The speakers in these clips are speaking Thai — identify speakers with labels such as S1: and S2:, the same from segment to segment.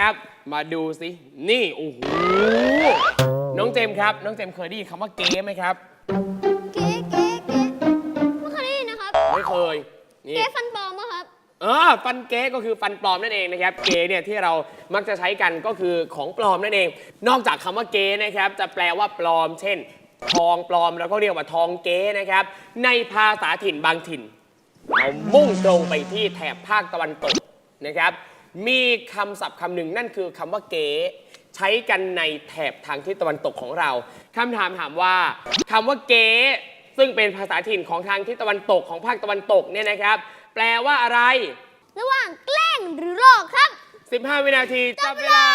S1: นะครับ มาดูสินี่โอ้โหน้องเจมส์ครับน้องเจมส์เคยได้ยินคำว่าเก๊ไหมครับ
S2: เก๊ไม่เคยได้ยินนะครับ
S1: ไม่เคย
S2: เก๊ฟันปลอมป่ะครับ
S1: ฟันเก๊ก็คือฟันปลอมนั่นเองนะครับเก๊เนี่ยที่เรามักจะใช้กันก็คือของปลอมนั่นเองนอกจากคำว่าเก๊นะครับจะแปลว่าปลอมเช่นทองปลอมแล้วก็เรียกว่าทองเก๊นะครับในภาษาถิ่นบางถิ่นเรามุ่งตรงไปที่แถบภาคตะวันตกนะครับมีคำศัพท์คำหนึ่งนั่นคือคำว่าเก๊ใช้กันในแถบทางทิศตะวันตกของเราคำถามถามว่าคำว่าเก๊ซึ่งเป็นภาษาถิ่นของทางทิศตะวันตกของภาคตะวันตกเนี่ยนะครับแปลว่าอะไร
S2: ระหว่างแกล้งหรือหลอกครับ
S1: 15 วินาทีจับเวลา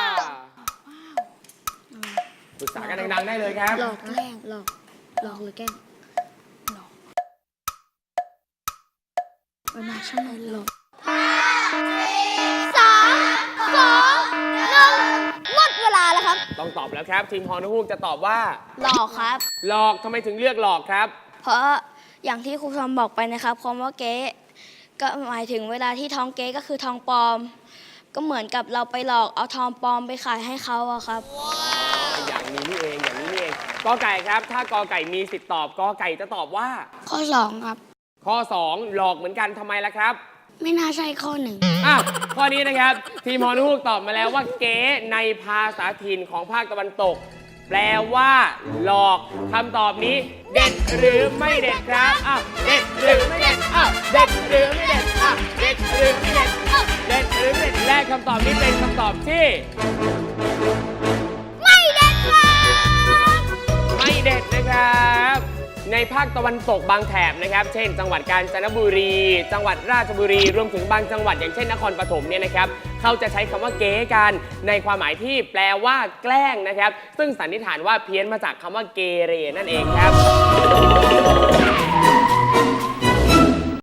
S1: ปรึกษากันดังๆได้เลยครับ
S2: หลอกแกล้งหลอกหรือแกล้งหลอกน่าใช่ไหมหลอก3 2 1หมดเวลาแล้วครับ
S1: ต้องตอบแล้วครับทีมฮอนฮูกจะตอบว่า
S2: หลอกครับ
S1: หลอกทำไมถึงเลือกหลอกครับ
S3: เพราะอย่างที่ครูทอมบอกไปนะครับคำว่าเก๊ก็หมายถึงเวลาที่ทองเก๊ก็คือทองปลอมก็เหมือนกับเราไปหลอกเอาทองปลอมไปขายให้เขาอะครับ
S1: อย่างนี้นี่เองกอไก่ครับถ้ากอไก่มีสิทธิ์ตอบกอไก่จะตอบว่า
S3: ข้อ2ครับ
S1: ข้อ2หลอกเหมือนกันทำไมล่ะครับ
S3: ไม่น่าใช่ข้อ
S1: 1ข้อนี้นะครับทีมฮอนฮูกตอบมาแล้วว่าเก๊ในภาษาถิ่นของภาคตะวันตกแปลว่าหลอกคำตอบนี้เด็ดหรือไม่เด็ดครับเด็ดหรือไม่เด็ดเด็ดหรือไม่เด็ดเด็ดหรือไม่เด็ดเด็ดหรือไม่เด็ดและคำตอบนี้เป็นคำตอบที่
S2: ไม่เด็ดครับ
S1: ไม่เด็ดนะครับในภาคตะวันตกบางแถบนะครับเช่นจังหวัดกาญจนบุรีจังหวัดราชบุรีรวมถึงบางจังหวัดอย่างเช่นนครปฐมเนี่ยนะครับเขาจะใช้คำว่าเก๊กันในความหมายที่แปลว่าแกล้งนะครับซึ่งสันนิษฐานว่าเพี้ยนมาจากคำว่าเกเรนั่นเองครับ